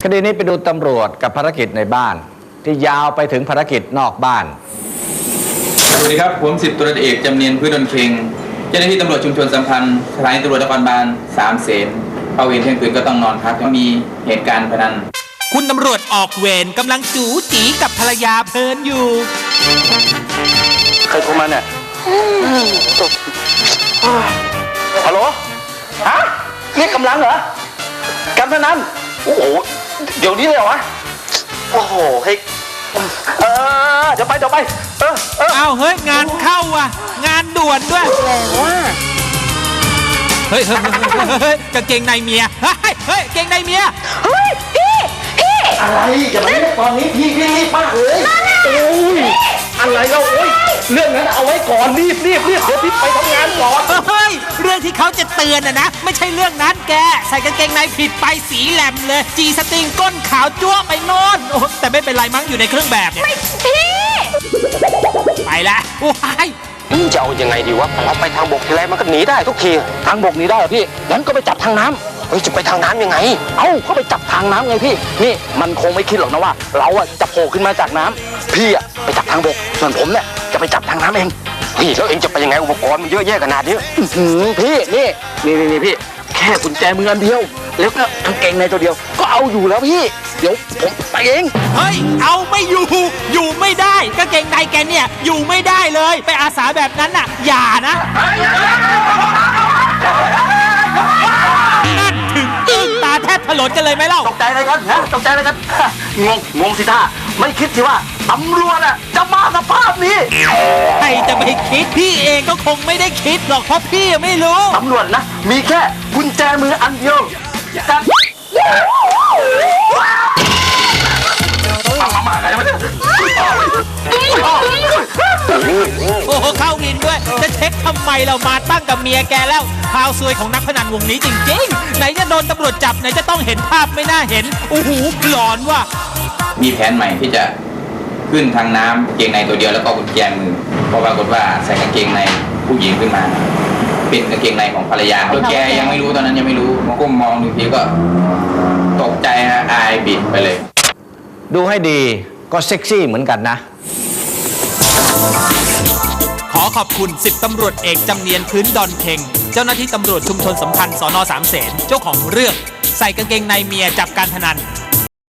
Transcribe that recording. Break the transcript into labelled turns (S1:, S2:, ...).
S1: คดีนี้ไปดูตำรวจกับภารกิจในบ้านที่ยาวไปถึงภารกิจนอกบ้าน
S2: สวัสดีครับผม10ตำรวจเอกจำเนียนพืชดลเค็งเจ้าหน้าที่ตำรวจชุมชนสัมพันธ์สถานีตำรวจนครบาล3 เสนเข้าเวรเที่ยงคืนก็ต้องนอนพักมีเหตุการณ์พนัน
S3: คุณตำรวจออกเวรกำลังจู๋จีกับภรรยาเพลินอยู่
S4: ใครโทรมาเนี่ยฮัลโหลฮะเรียกกำลังเหรอการพนันโอ้โหเดี๋ยวนี้เลยเหรอวะโอ้โหเฮ้ยเดี๋ยวไป
S3: อ้าวเฮ้ยงานเข้าว่ะงานด่วนด้วยเฮ้ยกางเกงในเมียเฮ้ยเกงในเมีย
S5: เฮ้ยพี่
S4: อะไรอย่ามาเรียกตอนนี้พี่รีบมากเลยโอ้ยอะไรก็โอ้ยเรื่องนั้นเอาไว้ก่อนรีบเดี๋ยวพี่ไปทำงานก่อน
S3: เฮ้ยเรื่องที่เขาจะเตือนนะไม่ใช่เรื่องนั้นแกใส่กางเกงในผิดไปสีแหลมเลยจีสติงก้นขาวจ้วไปโน่นแต่ไม่เป็นไรมั้งอยู่ในเครื่องแบบเนี่ย
S5: ไม่พี่
S3: ไปละโอ้ย
S4: จะเอายังไงดีวะเราไปทางบกทีไรมันก็หนีได้ทุกทีทางบกหนีได้เหรอพี่งั้นก็ไปจับทางน้ำเฮ้ยจะไปทางน้ำยังไงก็ไปจับทางน้ำไงพี่นี่มันคงไม่คิดหรอกนะว่าเราจะโผล่ขึ้นมาจากน้ำพี่ไปจับทางบกส่วนผมเนี่ยจะไปจับทางน้ำเองพี่แล้วเองจะไปยังไงอุปกรณ์มันเยอะแยะขนาดนี้พี่นี่พี่แค่กุญแจมืออันเดียวแล้วก็กางเกงในตัวเดียวก็เอาอยู่แล้วพี่เดี๋ยวผมไปเอง
S3: เฮ้ยเอาไม่อยู่ไม่ได้กางเกงในแกเนี่ยอยู่ไม่ได้เลยไปอาสาแบบนั้นน่ะอย่านะนั่นถึงอึ้งตาแทบถลนกันเลยไหมเล่า
S4: ตกใจอะไรกันตกใจอะไรกันงงสิท่าไม่คิดสิว่าตำรวจจะมาสภาพนี้
S3: ใครจะไม่คิดพี่เองก็คงไม่ได้คิดหรอกเพราะพี่ไม่รู้
S4: ตำรวจนะมีแค่กุญแจมืออันเดียว
S3: โอ้โหเข้าวินด้วยจะเช็คทำไมเรามาตั้งกับเมียแกแล้วข่าวซวยของนักพนันวงนี้จริงๆไหนจะโดนตำรวจจับไหนจะต้องเห็นภาพไม่น่าเห็นโอ้โหหลอนว่ะ
S2: มีแผนใหม่ที่จะขึ้นทางน้ำเกงในตัวเดียวแล้วก็กุญแจมือเพราะปรากฏว่าใส่กางเกงในผู้หญิงขึ้นมาเป็นกางเกงในของภรรยาแกยังไม่รู้ตอนนั้นยังไม่รู้มาก้มมองดูทีก็ตกใจอายบิดไปเลย
S1: ดูให้ดีก็เซ็กซี่เหมือนกันนะ
S3: ขอขอบคุณ10ตำรวจเอกจำเนียนพื้นดอนเค็งเจ้าหน้าที่ตำรวจชุมชนสัมพันธ์สน.3 เสนเจ้าของเรื่องใส่กางเกงในเมียจับการพนัน